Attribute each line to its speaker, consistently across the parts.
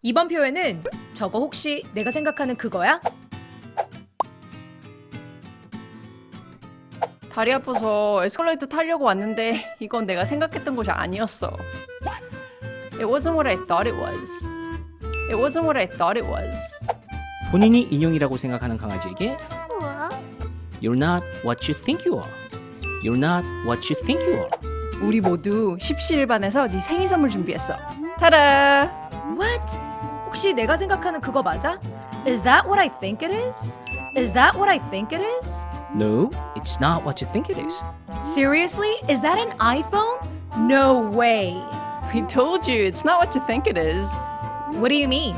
Speaker 1: 이번 표현은 저거 혹시 내가 생각하는 그거야?
Speaker 2: 다리 아파서 에스컬레이터 타려고 왔는데 이건 내가 생각했던 곳이 아니었어. It wasn't what I thought it was. It wasn't what I thought it was.
Speaker 3: 본인이 인형이라고 생각하는 강아지에게 You're not what you think you are. You're not what you think you are.
Speaker 2: 우리 모두 십시일반에서 네 생일 선물 준비했어. 타라!
Speaker 1: What? 혹시 내가 생각하는 그거 맞아? Is that what I think it is? Is that what I think it is?
Speaker 3: No, it's not what you think it is.
Speaker 1: Seriously? Is that an iPhone? No way.
Speaker 2: We told you it's not what you think it is.
Speaker 1: What do you mean?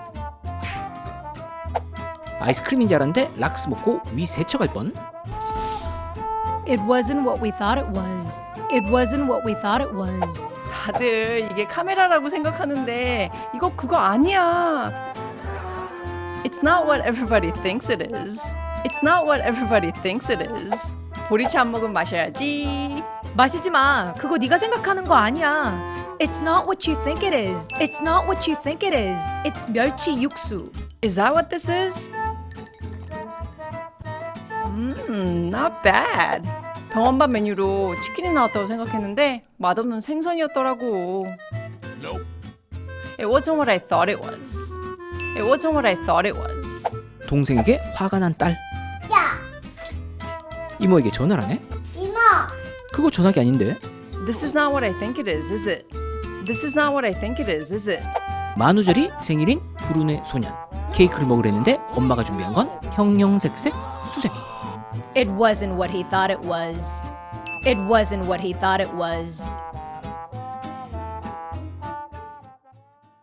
Speaker 3: 아이스크림인 줄 알았는데 락스 먹고 위 세척할 뻔.
Speaker 1: It wasn't what we thought it was. It wasn't what we thought it was.
Speaker 2: 다들 이게 카메라라고 생각하는데 이거 그거 아니야. It's not what everybody thinks it is. It's not what everybody thinks it is. 보리차 한 모금 마셔야지.
Speaker 1: 마시지 마. 그거 네가 생각하는 거 아니야. It's not what you think it is. It's not what you think it is. It's 멸치 육수.
Speaker 2: Is that what this is? Not bad. 병원밥 메뉴로 치킨이 나왔다고 생각했는데 맛없는 생선이었더라고. It wasn't what I thought it was. It wasn't what I thought it was.
Speaker 3: 동생에게 화가 난 딸.
Speaker 4: 야,
Speaker 3: 이모에게 전화를 하네.
Speaker 4: 이모,
Speaker 3: 그거 전화기 아닌데.
Speaker 2: This is not what I think it is it? This is not what I think it is it?
Speaker 3: 만우절이 생일인 불운의 소년. 케이크를 먹으려는데 엄마가 준비한 건 형형색색 수세미.
Speaker 1: It wasn't what he thought it was. It wasn't what he thought it was.